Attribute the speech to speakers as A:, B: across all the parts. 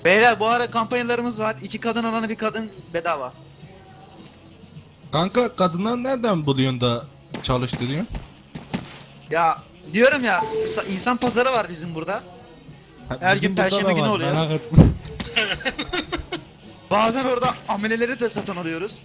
A: Beyler bu ara kampanyalarımız var. 2 kadın alana bir kadın bedava.
B: Kanka kadınlar nereden buluyorsun da çalıştırıyorsun?
A: Ya diyorum ya insan pazarı var bizim burada. Her
B: Bizim
A: gün
B: burada
A: Perşembe
B: da
A: günü
B: var,
A: oluyor.
B: merak etme.
A: Bazen orada ameleleri de satın alıyoruz.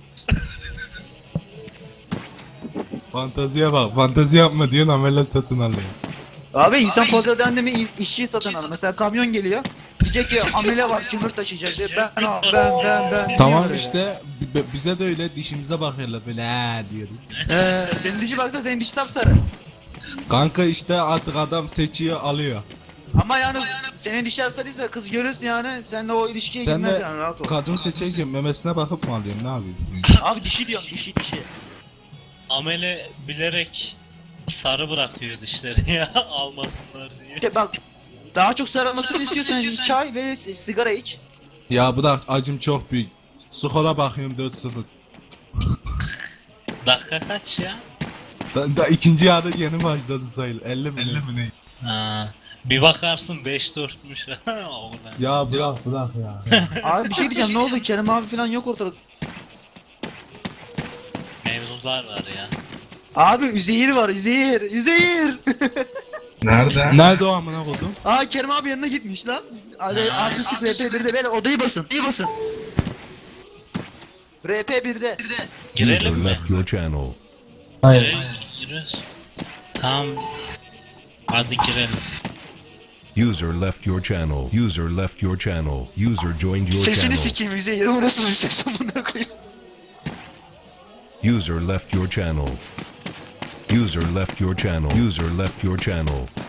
B: Fanteziye bak, fantezi yapma diyorsun amele satın alıyor.
A: Abi insan pazarı dendi mi işçi satın alır. Mesela kamyon geliyor. Diyecek ki amele var kömür taşıyacak diye. Ben.
B: Tamam
A: diyor
B: işte bize de öyle dişimize bakıyorlar böyle diyoruz.
A: Senin dişi baksa senin diş sapsarı.
B: Kanka işte artık adam seçiyor alıyor.
A: Ama yani senin dişler sarıysa kız görürsün yani. Seninle o ilişkiye
B: Sen
A: girmez
B: de
A: yani rahat ol.
B: kadın seçerken memesine bakıp mı alıyorsun ne yapıyorsun?
A: Abi dişi diyorum dişi.
C: Amele bilerek sarı bırakıyor dişleri ya almasınlar diye.
A: İşte bak daha çok sarılmasını istiyorsan çay ve sigara iç.
B: Ya bırak acım çok büyük. Skora bakıyorum 4-0.
C: Dakika kaç ya?
B: Da ikinci yarı yeni başladı sayılır. 50 mi ne?
C: Ha, bir bakarsın 5-4'müş. Oğlan.
B: Ya bırak ya.
A: Abi bir şey diyeceğim ne oldu Kerem abi falan yok ortalık.
C: Mevzular var ya.
A: Abi Üzeyir var Üzeyir.
B: Nerede o amına koydum?
A: Aa Kerem abi yanına gitmiş lan. Artistik RP1'de böyle odayı basın. RP1'de.
C: Girelim
D: User
C: mi?
D: left your channel.
C: Giriyoruz. Tamam. Hadi girelim.
D: User left your channel. User left your channel. User joined your
A: Sesini
D: channel.
A: sikeyim Üzeyir. O nasıl bir ses amına koyayım.
D: User left your channel. User left your channel. User left your channel.